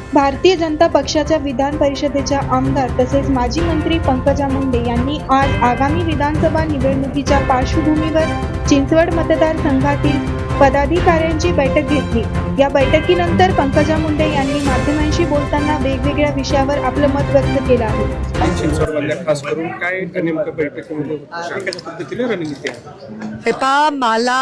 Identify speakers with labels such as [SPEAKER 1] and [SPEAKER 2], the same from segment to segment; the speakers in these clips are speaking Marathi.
[SPEAKER 1] भारतीय जनता पक्षाच्या विधान परिषदेच्या आमदार तसेच माजी मंत्री पंकजा मुंडे यांनी आज आगामी विधानसभा निवडणुकीच्या पार्श्वभूमीवर चिंचवड मतदारसंघातील पदाधिकाऱ्यांची बैठक घेतली। या बैठकीनंतर पंकजा मुंडे यांनी माध्यमांशी बोलताना वेगवेगळ्या विषयावर आपलं मत व्यक्त केलं आहे।
[SPEAKER 2] चिंचवडमधल्या खास करून काय नेमकं बैठकीमध्ये कशा पद्धतीने रणनीती आहे?
[SPEAKER 3] मला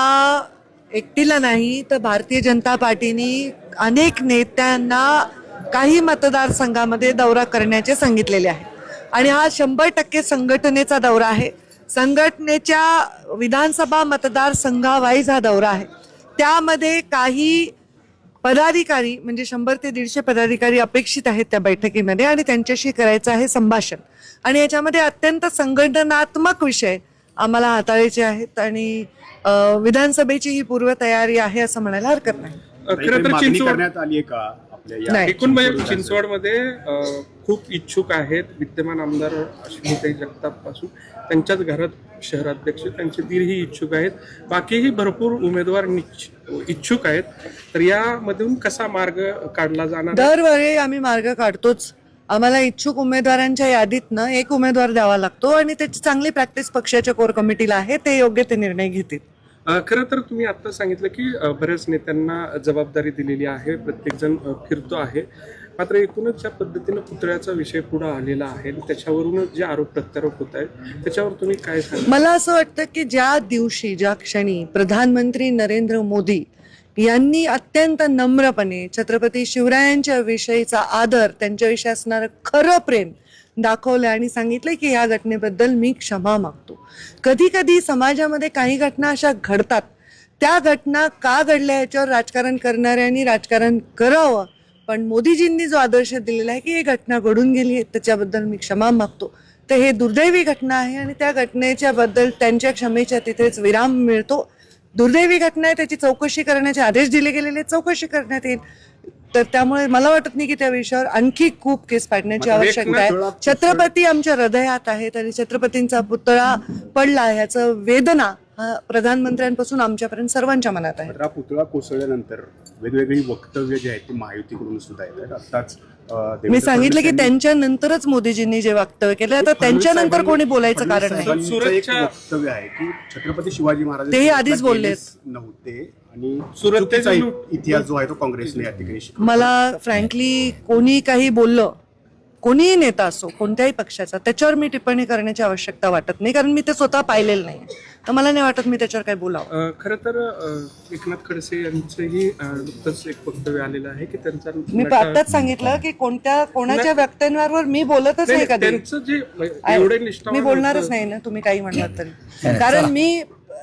[SPEAKER 3] एकटीला नाही तर भारतीय जनता पार्टीने अनेक नेत्यांना काही मतदारसंघामध्ये दौरा करण्याचे सांगितलेले आहे आणि हा 100% संघटनेचा दौरा आहे। संघटनेच्या विधानसभा मतदारसंघावाईज हा दौरा आहे। त्यामध्ये काही पदाधिकारी म्हणजे 100 ते 150 पदाधिकारी अपेक्षित आहेत त्या बैठकीमध्ये आणि त्यांच्याशी करायचं आहे संभाषण आणि याच्यामध्ये अत्यंत संघटनात्मक विषय आम्हाला हाताळायचे आहेत आणि विधानसभेची ही पूर्वतयारी आहे असं म्हणायला हरकत नाही।
[SPEAKER 2] खरं तर चिंचवड
[SPEAKER 4] करण्यात आली आहे का आपल्या
[SPEAKER 2] एकूण म्हणजे चिंचवडमध्ये खूप इच्छुक आहेत विद्यमान आमदार अश्विनीताई जगताप पासून त्यांच्याच घरात शहराध्यक्ष त्यांचे दीरही इच्छुक आहेत, बाकीही भरपूर उमेदवार इच्छुक आहेत। तर यामधून कसा मार्ग काढला जाणार?
[SPEAKER 3] दरवेळी आम्ही मार्ग काढतोच। आम्हाला इच्छुक उमेदवारांच्या यादीतनं एक उमेदवार द्यावा लागतो आणि त्याची चांगली प्रॅक्टिस पक्षाच्या कोर कमिटीला आहे, ते योग्य ते निर्णय घेतील।
[SPEAKER 2] खरं तर तुम्ही आता सांगितलं की बऱ्याच नेत्यांना जबाबदारी दिलेली आहे, प्रत्येक जण फिरतो आहे, मात्र एकूणच ज्या पद्धतीनं पुतळ्याचा विषय पुढे आलेला आहे त्याच्यावरूनच जे आरोप प्रत्यारोप होत आहेत त्याच्यावर तुम्ही काय सांगा?
[SPEAKER 3] मला असं वाटतं की ज्या दिवशी ज्या क्षणी प्रधानमंत्री नरेंद्र मोदी यांनी अत्यंत नम्रपणे छत्रपती शिवरायांच्या विषयीचा आदर, त्यांच्याविषयी असणारं खरं प्रेम दाखवलं आणि सांगितलं की या घटनेबद्दल मी क्षमा मागतो। कधी कधी समाजामध्ये काही घटना अशा घडतात, त्या घटना का घडल्या याच्यावर राजकारण करणाऱ्यांनी राजकारण करावं, पण मोदीजींनी जो आदर्श दिलेला आहे की ही घटना घडून गेली त्याच्याबद्दल मी क्षमा मागतो, तर हे दुर्दैवी घटना आहे आणि त्या घटनेच्या बद्दल त्यांच्या क्षमेच्या तिथेच विराम मिळतो। दुर्दैवी घटना आहे, त्याची चौकशी करण्याचे आदेश दिले गेलेले, चौकशी करण्यात येईल। तर त्यामुळे मला वाटत नाही की त्या विषयावर आणखी खूप केस पाडण्याची आवश्यकता आहे। छत्रपती आमच्या हृदयात आहेत आणि छत्रपतींचा पुतळा पडला ह्याचं वेदना प्रधानमंत्र्यांपासून आमच्यापर्यंत सर्वांच्या मनात आहे।
[SPEAKER 4] हा पुतळा कोसळल्यानंतर वेगवेगळी वक्तव्य जे आहेत ती महायुतीकडून सुद्धा येतात। आताच
[SPEAKER 3] मी सांगितलं की त्यांच्यानंतरच मोदीजींनी जे वक्तव्य केलं तर त्यांच्यानंतर कोणी बोलायचं कारण नाही।
[SPEAKER 4] वक्तव्य आहे की छत्रपती शिवाजी महाराज
[SPEAKER 3] तेही आधीच बोलले
[SPEAKER 4] नव्हते आणि सुरतेचा इतिहास जो आहे तो काँग्रेसने या ठिकाणी
[SPEAKER 3] मला फ्रँकली कोणी काही बोललं, कोणीही नेता असो कोणत्याही पक्षाचा, त्याच्यावर मी टिप्पणी करण्याची आवश्यकता वाटत नाही, कारण मी ते स्वतः पाहिलेलं नाही, तर मला नाही वाटत मी त्याच्यावर काही बोलावं।
[SPEAKER 2] खरं तर एकनाथ खडसे यांचंही नुकतंच एक वक्तव्य आलेलं आहे की त्यांचा
[SPEAKER 3] मी आताच सांगितलं की कोणाच्या वक्तव्यांवर मी बोलतच नाही कधी,
[SPEAKER 2] त्यांचं जे एवढे
[SPEAKER 3] मी बोलणारच नाही ना, तुम्ही काही म्हणलात तरी, कारण मी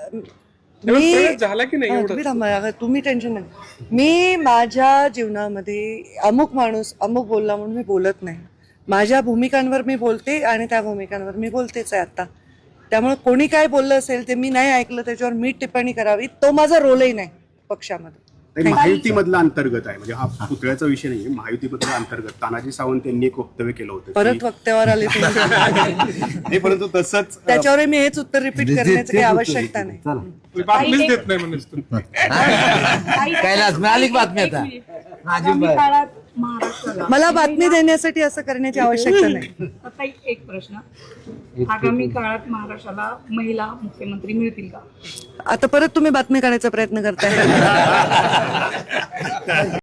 [SPEAKER 2] झाला की नाही
[SPEAKER 3] तुम्ही टेन्शन नाही। मी माझ्या जीवनामध्ये अमुक माणूस अमुक बोलला म्हणून मी बोलत नाही, माझ्या भूमिकांवर मी बोलते आणि त्या भूमिकांवर मी बोलतेच आहे आता। त्यामुळे कोणी काय बोललं असेल ते मी नाही ऐकलं त्याच्यावर मी टिप्पणी करावी, तो माझा रोलही नाही पक्षामध्ये।
[SPEAKER 4] महायुतीमधला अंतर्गत आहे, म्हणजे हा पुतळ्याचा विषय नाही, महायुतीमधला अंतर्गत तानाजी सावंत यांनी एक वक्तव्य केलं होतं,
[SPEAKER 3] परत वक्त्यावर आले
[SPEAKER 4] नाही परंतु तसंच
[SPEAKER 3] त्याच्यावर मी हेच उत्तर रिपीट करण्याची काही आवश्यकता नाही।
[SPEAKER 2] बातमीच देत नाही म्हणून
[SPEAKER 5] कैलास मिळाली बातमी आता
[SPEAKER 3] मला बातमी देण्यासाठी असं करण्याची आवश्यकता नाही।
[SPEAKER 6] आता एक प्रश्न, आगामी काळात महाराष्ट्राला महिला मुख्यमंत्री मिळतील का?
[SPEAKER 3] आता परत तुम्ही बातमी काढायचा प्रयत्न करताय।